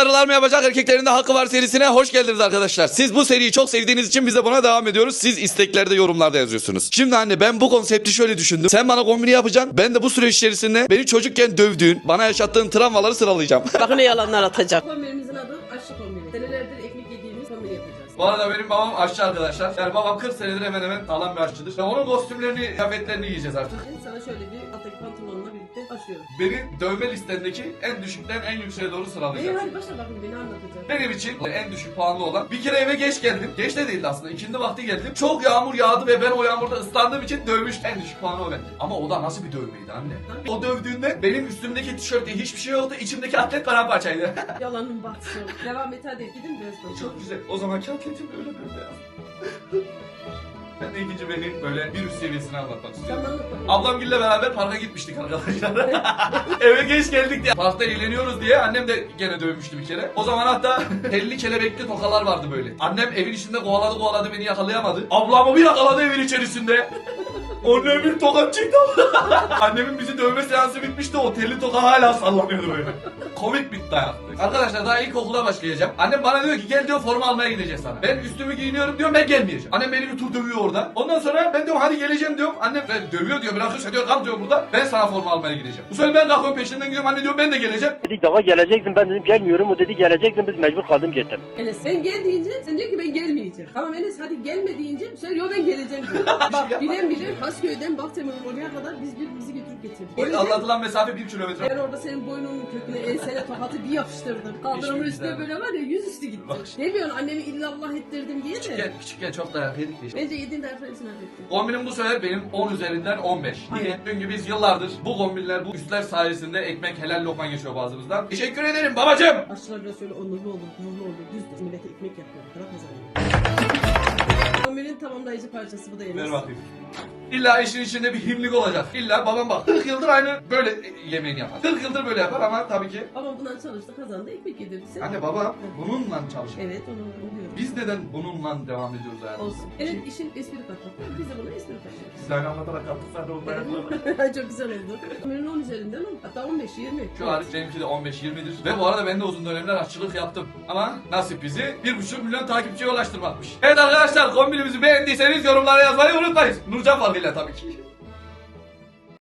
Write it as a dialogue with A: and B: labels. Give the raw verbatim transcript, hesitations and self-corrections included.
A: karılar mı yapacak, erkeklerin de hakkı var serisine hoş geldiniz arkadaşlar. Siz bu seriyi çok sevdiğiniz için biz de buna devam ediyoruz. Siz isteklerde, yorumlarda yazıyorsunuz. Şimdi anne, ben bu konsepti şöyle düşündüm. Sen bana kombini yapacaksın. Ben de bu süreç içerisinde beni çocukken dövdüğün, bana yaşattığın travmaları sıralayacağım.
B: Bakın ne yalanlar atacak.
C: Kombinimizin adı aşçı kombini. Senelerdir ekmek yediğimiz kombini yapacağız.
A: Bu arada benim babam aşçı arkadaşlar. Yani babam kırk senedir hemen hemen sağlam bir aşçıdır. Ve onun kostümlerini, kıyafetlerini giyeceğiz artık.
C: Ben sana şöyle bir alttaki pantolonla birlikte başlıyorum.
A: Beni dövme listendeki en düşükten en yükseğe doğru
C: İyi
A: sıralayacağız.
C: hadi başla bakın beni anlatacağım.
A: Benim için en düşük puanlı olan, bir kere eve geç geldim. Geç de değildi aslında, ikindi vakti geldim. Çok yağmur yağdı ve ben o yağmurda ıslandığım için dövmüştüm. En düşük puanı o bence. Ama o da nasıl bir dövmeydi anne? O dövdüğünde benim üstümdeki tişörtte hiçbir şey yoktu. İçimdeki atlet paramparçaydı.
C: Yalanın batsın. Devam et hadi gidin biraz sonra.
A: Çok güzel. O zaman atletim öyle böyle ya. Ben de ikinci benim böyle bir üst seviyesini anlatmak istiyorum.
C: Sen anlat bakayım.
A: Ablamgille beraber parka gitmiştik arkadaşlar. Eve geç geldik diye. Parkta eğleniyoruz diye annem de gene dövmüştü bir kere. O zaman hatta telli kelebekli tokalar vardı böyle. Annem evin içinde kovaladı kovaladı beni yakalayamadı. Ablamı bir yakaladı evin içerisinde. Annem bir tokat çekti. Annemin bizi dövme seansı bitmişti, o telli toka hala sallanıyordu böyle. Komik bir dayak. Arkadaşlar daha ilkokula başlayacağım. Annem bana diyor ki gel diyor, forma almaya gideceğiz sana. Ben üstümü giyiniyorum diyorum, ben gelmeyeceğim. Annem beni bir tur dövüyor orada. Ondan sonra ben diyorum hadi geleceğim diyorum. Annem ben dövüyor diyor, bırakırsa diyor kal diyor burada. Ben sana forma almaya gideceğim. Bu sefer ben kalkıyorum peşinden gidiyorum, anne diyor ben de geleceğim.
D: Dedik daha geleceksin, ben dedim gelmiyorum, o dedi geleceksin, biz mecbur kaldım gittim.
C: Enes sen gel deyince sen diyor ki ben gelmeyeceğim. Tamam Enes hadi gelme deyince sen yo ben geleceğim diyor. Bak bilen bilir Kasköy'den Bahçemir'in oraya kadar biz birbirimizi götürüp getirdik.
A: O
C: Gelince
A: anlatılan mesafe bir kilometre.
C: ben orada senin boynunun köküne ensene tokatı bir yapıştırdım. Kaldırımın
A: Hiçbir
C: üstüne
A: güzel.
C: böyle var ya yüzüstü gitti.
A: Bak.
C: Demiyorsun annemi illallah ettirdim diye de.
A: Küçükken, küçükken çok dayak yedik de işte.
C: Bence yediğin dayakları hepsini hak ettin.
A: Kombinim bu sefer benim on üzerinden on beş. Niye?
C: Aynen.
A: Çünkü biz yıllardır bu kombinler, bu üstler sayesinde ekmek helal lokma geçiyor bazımızdan. Teşekkür ederim babacığım.
C: Aşçılar biraz şöyle onurlu olur, gururlu olur. Düz millete ekmek yapıyor. Para kazanıyor. Kombinin tamamlayıcı parçası bu da Enes.
A: Ver bakayım. İlla işin içinde bir himlik olacak. İlla babam bak kırk yıldır aynı böyle yemeğini yapar. kırk yıldır böyle yapar ama tabii ki.
C: Ama bundan çalıştı kazandı ekmek yedirdi. Sen-
A: Anne baba bununla çalışıyor.
C: Evet onu oluyor.
A: Biz neden bununla devam ediyoruz hayatımıza?
C: Olsun. Evet işin espri katmak. Biz de buna espri katıyoruz.
A: Siz aynı anlatarak yaptık zaten oldu
C: Çok güzel oldu. Kombinin on üzerinden on. Hatta on beş yirmi.
A: Şu hariç benimki de on beş yirmidir. Ve bu arada ben de uzun dönemler aşçılık yaptım. Ama nasip bizi bir buçuk milyon takipçiye ulaştırmakmış. Evet arkadaşlar, kombinimizi beğendiyseniz yorumlara yazmayı unutmayın. Nurcan farkıyla tabii ki.